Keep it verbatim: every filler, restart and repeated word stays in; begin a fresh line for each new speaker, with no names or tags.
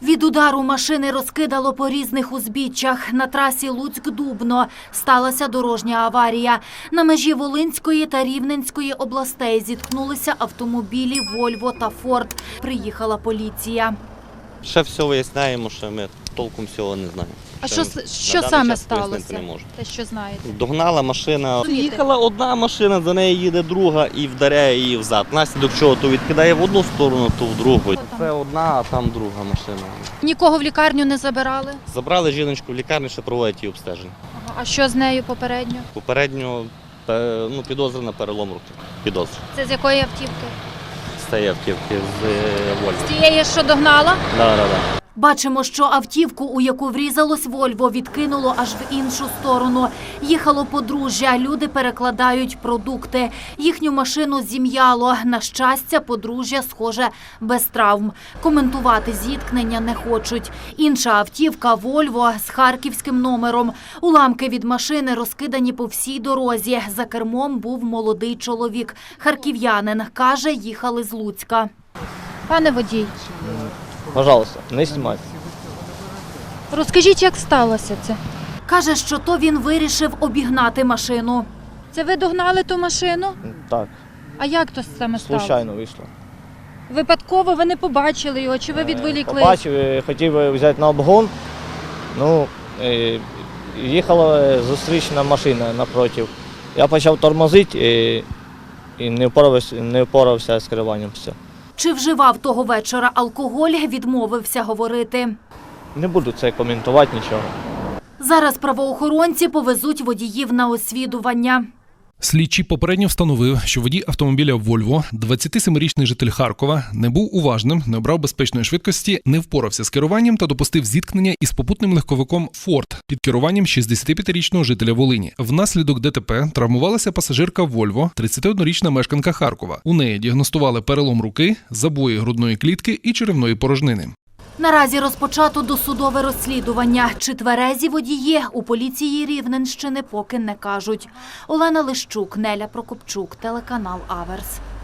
Від удару машини розкидало по різних узбіччях. На трасі Луцьк-Дубно сталася дорожня аварія. На межі Волинської та Рівненської областей зіткнулися автомобілі «Вольво» та «Форд». Приїхала поліція.
Ще все виясняємо, що ми толком всього не знаємо.
А
Ще
що, що саме сталося?
Не можу.
Те, що знаєте?
Догнала машина, їхала одна машина, за нею їде друга і вдаряє її взад. Наслідок чого то відкидає в одну сторону, то в другу. Це одна, а там друга машина.
Нікого в лікарню не забирали?
Забрали жіночку в лікарню, ще проводять її обстеження.
Ага. А що з нею попередньо?
Попередньо пе- ну, підозра на перелом руки. Підозра.
Це з якої автівки?
З цієї автівки, з е, Вольво.
З тієї, що догнала?
Да, да, да.
Бачимо, що автівку, у яку врізалось «Вольво», відкинуло аж в іншу сторону. Їхало подружжя, люди перекладають продукти. Їхню машину зім'яло. На щастя, подружжя, схоже, без травм. Коментувати зіткнення не хочуть. Інша автівка «Вольво» з харківським номером. Уламки від машини розкидані по всій дорозі. За кермом був молодий чоловік. Харків'янин, каже, їхали з Луцька.
Пане водій,
Пожалуйста, не знімайте.
розкажіть, як сталося це?
Каже, що то він вирішив обігнати машину.
Це ви догнали ту машину?
Так,
А як то саме сталося?
случайно вийшло.
Випадково ви не побачили його, чи ви відволіклись?
Побачив, е, хотів взяти на обгон, ну, е, їхала зустрічна машина напротив. Я почав тормозити і, і не впорався, не впорався з керуванням. Все.
Чи вживав того вечора алкоголь, відмовився говорити.
Не буду це коментувати нічого.
Зараз правоохоронці повезуть водіїв на освідування.
Слідчий попередньо встановив, що водій автомобіля «Вольво», двадцятисемирічний житель Харкова, не був уважним, не обрав безпечної швидкості, не впорався з керуванням та допустив зіткнення із попутним легковиком «Форд» під керуванням шістдесятип'ятирічного жителя Волині. Внаслідок ДТП травмувалася пасажирка «Вольво», тридцятиоднорічна мешканка Харкова. У неї діагностували перелом руки, забої грудної клітки і черевної порожнини.
Наразі розпочато досудове розслідування. Чи тверезі водії у поліції Рівненщини поки не кажуть. Олена Лищук, Неля Прокопчук, телеканал Аверс.